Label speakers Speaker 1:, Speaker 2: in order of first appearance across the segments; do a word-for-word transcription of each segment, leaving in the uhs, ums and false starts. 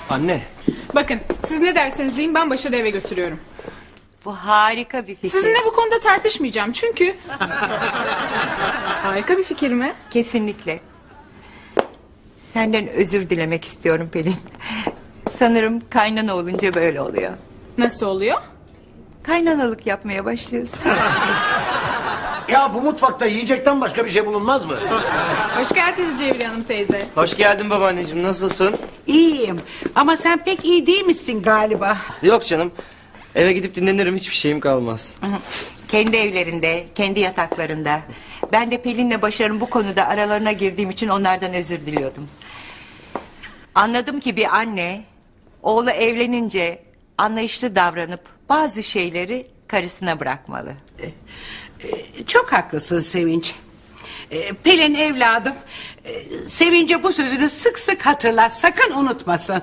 Speaker 1: Anne.
Speaker 2: Bakın siz ne derseniz deyin, ben Başar'ı eve götürüyorum.
Speaker 3: Bu harika bir fikir.
Speaker 2: Sizinle bu konuda tartışmayacağım çünkü... Harika bir fikir mi?
Speaker 3: Kesinlikle. Senden özür dilemek istiyorum Pelin. Sanırım kaynana olunca böyle oluyor.
Speaker 2: Nasıl oluyor?
Speaker 3: Kaynanalık yapmaya başlıyorsun.
Speaker 4: Ya bu mutfakta yiyecekten başka bir şey bulunmaz mı?
Speaker 2: Hoş geldiniz Cevriye Hanım teyze.
Speaker 1: Hoş geldin babaanneciğim, nasılsın?
Speaker 5: İyiyim ama sen pek iyi değil misin galiba?
Speaker 1: Yok canım. Eve gidip dinlenirim, hiçbir şeyim kalmaz.
Speaker 3: Kendi evlerinde, kendi yataklarında. Ben de Pelin'le Başar'ın bu konuda aralarına girdiğim için onlardan özür diliyordum. Anladım ki bir anne oğlu evlenince anlayışlı davranıp bazı şeyleri karısına bırakmalı.
Speaker 5: Çok haklısın Sevinç. Ee, Pelin evladım, e, Sevinç'e bu sözünü sık sık hatırlat, sakın unutmasın.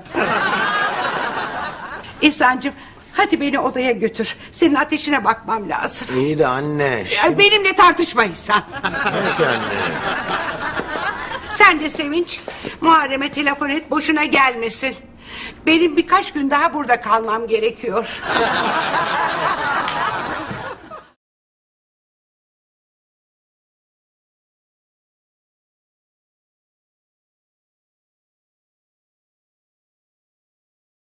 Speaker 5: İhsan'cığım, hadi beni odaya götür. Senin ateşine bakmam lazım.
Speaker 4: İyi de anne.
Speaker 5: Ay, benimle tartışma İhsan.
Speaker 4: Peki anne.
Speaker 5: Sen de Sevinç, Muharrem'e telefon et, boşuna gelmesin. Benim birkaç gün daha burada kalmam gerekiyor.